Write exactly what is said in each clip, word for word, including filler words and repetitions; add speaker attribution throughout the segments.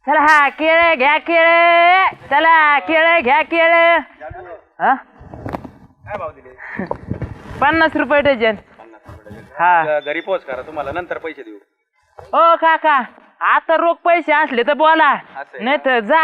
Speaker 1: चला हा केळे घ्या केळे, चला केळे घ्या केळे. हा
Speaker 2: काय भाव दिले?
Speaker 1: पन्नास रुपये डझन. हा
Speaker 2: घरी पोच करा, तुम्हाला नंतर पैसे देऊ.
Speaker 1: ओ काका, आता रोख पैसे असले तर बोला, नाही तर जा.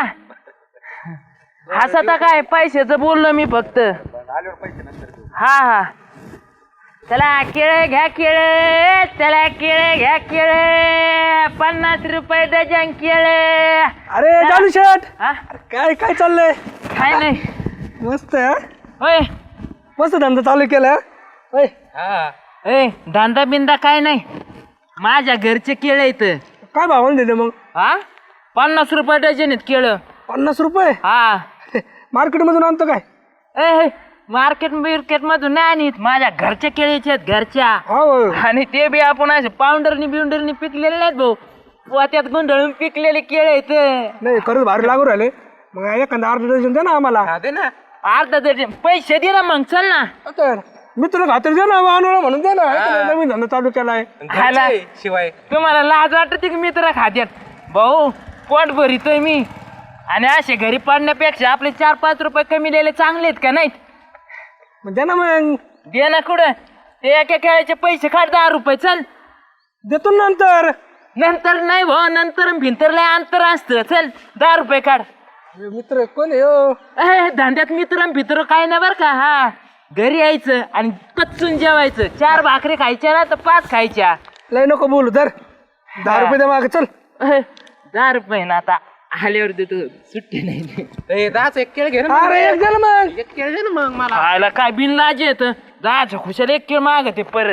Speaker 1: हसता काय, पैशाचं बोललो मी फक्त.
Speaker 2: आल्यावर पैसे नंतर देऊ.
Speaker 1: हा हा चला केळे घ्या केळे, चला केळे घ्या केळे, पन्नास रुपये डझन केळे.
Speaker 3: अरे जालू शेठ,
Speaker 1: हा
Speaker 3: काय काय चाललंय?
Speaker 1: काय नाही.
Speaker 3: मस्त आहे हा?
Speaker 1: होय
Speaker 3: मस्त धंदा चालू केला होय.
Speaker 1: ए धंदा बिंदा काय नाही, माझ्या घरचे केळे इथं.
Speaker 3: काय भावाने दिले मग?
Speaker 1: हा पन्नास रुपये डझन आहेत केळं.
Speaker 3: पन्नास रुपये
Speaker 1: हा
Speaker 3: मार्केट मधून आणतो काय?
Speaker 1: ए मार्केट बिर्केट मधून नाही आणत, माझ्या घरच्या केळीचे आहेत, घरच्या.
Speaker 3: हो
Speaker 1: आणि ते बी आपण असे पावडरनी बिवडरनी पिकलेले नाहीत भाऊ, पोत्यात गुंडळून पिकलेले केळे आहेत.
Speaker 3: नाही खरंच भारी लागू राहिले. मग एखादा अर्धा डझन दे ना आम्हाला.
Speaker 1: दे ना अर्धा डझन. पैसे दे ना मग, चल ना.
Speaker 3: तर मी तुला खात्री दे ना वानोळा म्हणून दे ना. नवीन धंदा चालू केलाय.
Speaker 1: खायला शिवाय तुम्हाला लाज वाटते की मित्र खात्यात? भाऊ पोट भरितोय मी, आणि असे घरी पडण्यापेक्षा आपले चार पाच रुपये कमी दिले चांगले आहेत का नाहीत?
Speaker 3: मग दे ना मग.
Speaker 1: दे ना कुठं, ते एका खेळाचे पैसे काढ दहा रुपये. चल
Speaker 3: देतो नंतर.
Speaker 1: नंतर नाही भाऊ, नंतर भिंतर लय अंतर असतं. चल दहा रुपये काढ.
Speaker 3: मित्र कोण आहे हो?
Speaker 1: ए धंद्यात मित्र भित्र काय नाही बरं का. हा घरी यायचं आणि कच्चून जेवायचं. चार भाकरी खायच्या ना तर पाच खायच्या.
Speaker 3: लय नको बोलू तर. दहा रुपये दे मागे चल.
Speaker 1: ए, दहा रुपये ना आता आल्यावर देतो, सुट्टी नाही.
Speaker 2: दहाच एक केळ घे ना.
Speaker 3: अरे एक दे ना मग.
Speaker 2: एक केळ दे ना मग मला.
Speaker 1: खायला काय बिन लाज येत, दहाच्या खुशाला एक किलो मागते परत.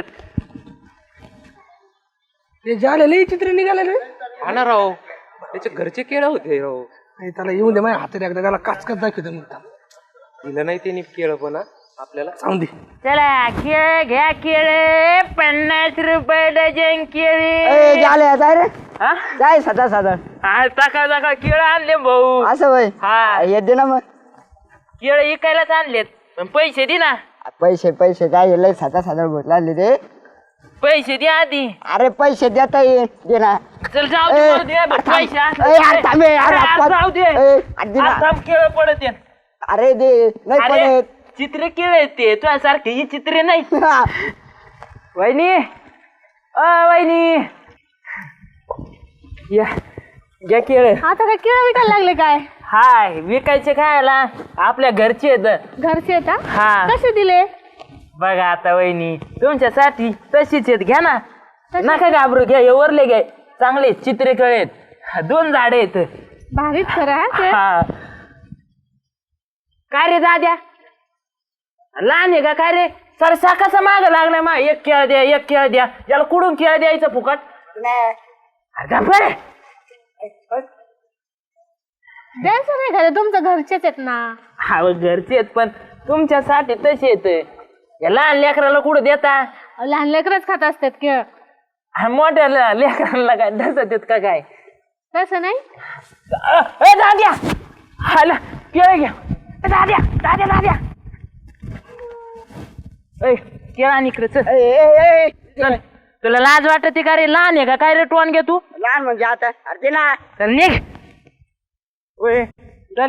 Speaker 3: ते झालेले चित्र निघाले रे.
Speaker 2: हा ना राव, त्याचे घरचे केळ होते राव.
Speaker 3: नाही त्याला येऊन दे माझ्या हातात एकदा, त्याला काच काच दाखवतो मग.
Speaker 2: दिलं नाही त्यांनी केळ पण आपल्याला.
Speaker 3: सांग दे.
Speaker 1: चला केळे घ्या केळे, पन्नास रुपये डझन केळी.
Speaker 4: झाले जाय रे
Speaker 1: हा
Speaker 4: जाय सदा साधा
Speaker 1: आज सकाळ सकाळ केळं आणले भाऊ.
Speaker 4: असं वय
Speaker 1: हा
Speaker 4: येत दे ना मग.
Speaker 1: केळं इकायलाच आणलेत, पण पैसे दे ना.
Speaker 4: पैसे पैसे काय लय सदा साधा बोट लागले रे.
Speaker 1: पैसे दे आधी.
Speaker 4: अरे पैसे देता येईल दे ना.
Speaker 1: चल जाऊ दे,
Speaker 4: ए,
Speaker 1: मरू दे बघ,
Speaker 4: थांब.
Speaker 1: पैसे
Speaker 4: ए, यार, थांब ए, यार,
Speaker 1: अरे, आज
Speaker 4: आपण-
Speaker 1: जाऊ दे.
Speaker 4: ए, आज दे ना.
Speaker 1: आज थांब, केळं पडत आहेत.
Speaker 4: अरे दे नाही
Speaker 1: अरे
Speaker 4: पडत.
Speaker 1: चित्र केळे आहेत ते, तुझ्यासारखे ही चित्रे नाही. वहिनी अ वहिनी या घ्या केळ.
Speaker 5: आता काय केळं विकायला लागले काय?
Speaker 1: हाय विकायचे खायला, आपल्या घरचे आहेत.
Speaker 5: घरचे आहेत हा?
Speaker 1: हा
Speaker 5: कसे दिले?
Speaker 1: बघा आता वहिनी, तुमच्यासाठी तशीच आहेत, घ्या ना. नका घाबरू, घ्या. हे वरले घ्या, चांगले चित्रे केळे आहेत, दोन झाडे आहेत.
Speaker 5: भारीच खरं हा ते.
Speaker 1: हा काय रे दाद्या, लहान आहे का काय रे? सर साकाचा माग लागलाय मा. एक केळ द्या, एक केळ द्या. याला कुठून केळ द्यायचं फुकट?
Speaker 5: द्यायचं नाही का, तुमच्या घरचेच आहेत ना.
Speaker 1: हा घरचे आहेत, पण तुमच्यासाठी तसे येत. या लहान लेकराला कुठं देता?
Speaker 5: लहान लेकरच खात असतात केळ.
Speaker 1: हा, मोठ्या ल- लेकराला काय दसत येत का काय?
Speaker 5: तसं नाही.
Speaker 1: अ, ए दाद्या, हाला केळ घ्या. ए, दाद्या दाद्या दाद्या ए केळ आणि इकडे चल.
Speaker 4: ए, ए, ए,
Speaker 1: चल. तुला लाज वाटते का रे? लहान आहे का काय रे? टोन घे तू.
Speaker 4: लहान म्हणजे आता अरे दे ना.
Speaker 1: चल निघ. ओय चल.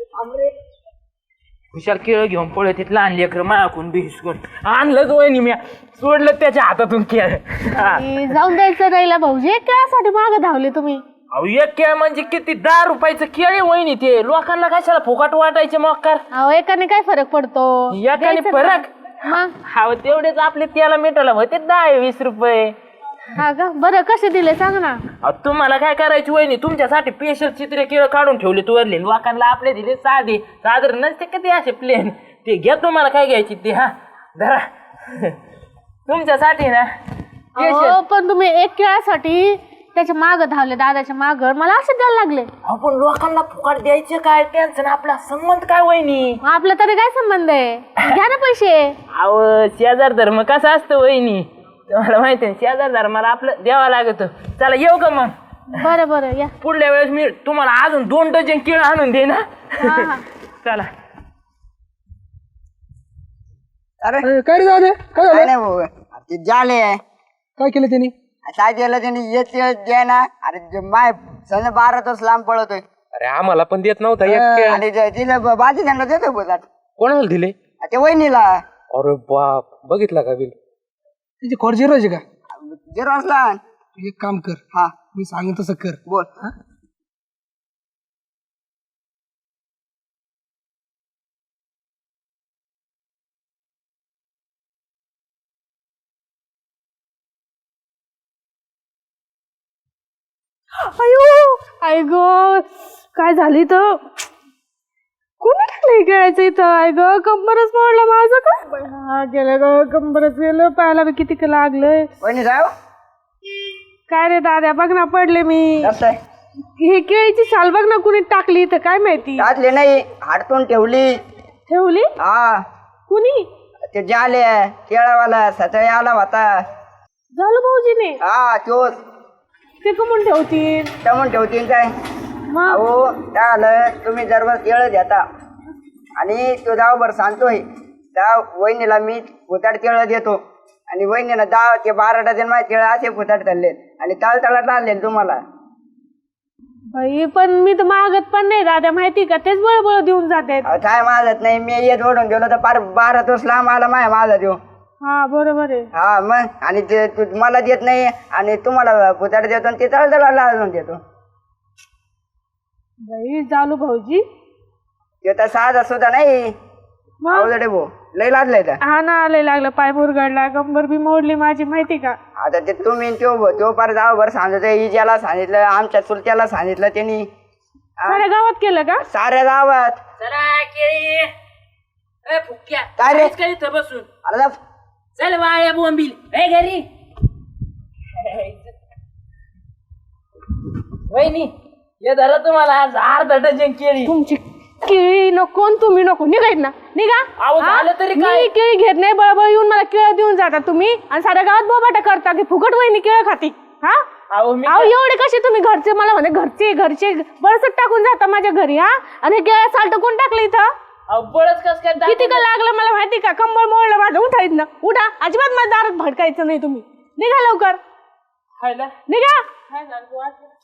Speaker 1: हुशार केळ घेऊन पळत तिथं लहान लेकर मायाकून बिस्कुट आणलं वहिनी, मी सोडलं त्याच्या हातातून केळ. हा.
Speaker 5: ए, जाऊन द्यायचं राहिला भाऊजी. केळासाठी मागे धावले तुम्ही.
Speaker 1: अहो एक केळ म्हणजे किती? दहा रुपयाचं केळ आहे वहिनी ते. लोकांना कशाला फुकट वाटायचे मक्कार?
Speaker 5: अहो एकाने काय फरक पडतो?
Speaker 1: एकाने
Speaker 5: द्यायचं
Speaker 1: फरक?
Speaker 5: ना. मग
Speaker 1: हा तेवढेच आपले त्याला मिठाला होते दहा वीस रुपये.
Speaker 5: हा का? बरं कसे दिले सांग ना.
Speaker 1: अहो, तुम्हाला काय करायची वहिनी? तुमच्यासाठी स्पेशल चित्रे केळ काढून ठेवले तुवरले. लोकांना आपले दिले साधे, साधारण नसते का ते असे प्लेन. ते घ्या, तुम्हाला काय घ्यायची ते. हा धरा तुमच्यासाठी ना
Speaker 5: अहो, पण तुम्ही एक केळासाठी त्याच्या माग धावले, दादाच्या माग. मला असं द्यायला लागले.
Speaker 1: आपण लोकांना फुकट द्यायचे काय? त्यांचं आपला संबंध काय वहिनी?
Speaker 5: मग आपला तरी काय संबंध आहे? घ्या ना पैसे.
Speaker 1: अहो शेजार धर्म कसा असतो वहिनी, तुम्हाला माहिती आहे. शेजार धर्माला आपलं द्यावा लागत. चला येऊ का मग?
Speaker 5: बरं बरं या.
Speaker 1: पुढल्या वेळेस मी तुम्हाला अजून दोन डझन केळ आणून दे ना.
Speaker 5: हा हा.
Speaker 1: चला.
Speaker 4: अरे
Speaker 3: अरे, काय रे दादा काय
Speaker 4: काय
Speaker 3: झालं?
Speaker 4: नाही भाऊ. अरे ते झाले
Speaker 3: काय केलं त्यांनी?
Speaker 4: काय केलं त्याने येत द्या ना. अरे जे माय सण बारा तास लांब पळतोय
Speaker 2: अरे आम्हाला पण देत नव्हता एक केळ.
Speaker 4: आणि जे तिला ब- बाजी त्यांना देतोय बोलात
Speaker 2: कोणाला दिले?
Speaker 4: ते वहिनीला
Speaker 2: अरे बाप, बघितला का बिल?
Speaker 3: तिची खोड जिरायची का?
Speaker 4: झिरो असला.
Speaker 3: तू एक काम कर,
Speaker 4: हा
Speaker 3: मी सांगेन तसं कर.
Speaker 4: बोल.
Speaker 5: अयो आय ग काय झाली तर कोणी टाकलं खेळायचं इथं. आय ग कंबरच मोडलं माझं का. हा गेलं ग कंबरच गेलं. पायाला बी किती का लागलंय.
Speaker 4: वहिनी जाऊ
Speaker 5: काय रे दाद्या बघ ना पडले मी.
Speaker 4: कसं आहे?
Speaker 5: हे केळीची साल बघ ना कुणी टाकली इथं काय माहिती.
Speaker 4: टाकले नाही, हाडतून ठेवली.
Speaker 5: ठेवली
Speaker 4: हा
Speaker 5: कुणी.
Speaker 4: ते जाले केळावाला सकाळी आला होता.
Speaker 5: झालं भाऊजीने.
Speaker 4: हा तोच
Speaker 5: ते कमून ठेवतील
Speaker 4: टमून ठेवतील काय.
Speaker 5: मग
Speaker 4: अहो काय आलं, तुम्ही जर केळ देता आणि तो दावभर सांगतोय त्या वहिनीला मी फुताड केळं देतो आणि वहिनीला दहा ते बारा डझन माझे केळं असे फुताड धरले आणि तळतळात आणले तुम्हाला.
Speaker 5: बाई पण मी तर मागत पण नाही दादा माहिती का. तेच बळबळ देऊन जाते.
Speaker 4: अहो, काय माझत नाही, मी येत ओढून गेलो तर पार बारा तोस लांब आला माय माझा देऊ.
Speaker 5: हा बरोबर आहे.
Speaker 4: हा मग आणि ते तू मला देत नाही आणि तुम्हाला फुताड देतो आणि ते तळतळाला आणून देतो.
Speaker 5: बाई जालू भाऊजी.
Speaker 4: ते तर साधा सुद्धा नाही.
Speaker 5: मग
Speaker 4: अवजडे भाऊ लय लादलंय तर.
Speaker 5: हा ना लय लागलं. पाय मुरगडला कंबर बी मोडली माझी माहिती का.
Speaker 4: आता ते तुम्ही तो तो पार जावभर सांगतो, इजाला सांगितलं, आमच्या चुलत्याला सांगितलं त्यांनी.
Speaker 5: साऱ्या गावात केलं का.
Speaker 4: साऱ्या गावात.
Speaker 1: चला केळी ए फुक्या
Speaker 4: काय रे?
Speaker 1: काहीच काही इथं बसून
Speaker 4: अरे जा.
Speaker 1: चल वाळ्या बोंबील ए घरी. वहिनी हे धरा तुम्हाला आज अर्धा डझन केळी.
Speaker 5: तुमची केळी नको आणि तुम्ही नको. निघायत ना निघा.
Speaker 1: अहो,
Speaker 5: हा?
Speaker 1: झालं तरी काय?
Speaker 5: मी केळी घेत नाही. बळबळ येऊन मला केळं देऊन जाता तुम्ही आणि साऱ्या गावात बोबाटा करता की फुकट वहिनी केळं खाती. हा
Speaker 1: अहो मी
Speaker 5: अहो एवढे कसे तुम्ही घरचे मला म्हणे घरचे घरचे बळसट टाकून जाता माझ्या घरी. हा आणि हे केळं साल्ट कोण टाकलं इथं.
Speaker 1: अहो बळच कस काय दाखवलं?
Speaker 5: किती का लागलं मला माहिती का. कंबळ मोडलं माझं. उठायच ना उठा. अजिबात माझ्या दारात भडकायचं नाही तुम्ही. निघा लवकर
Speaker 1: खायला
Speaker 5: निघा.
Speaker 1: काय झालं?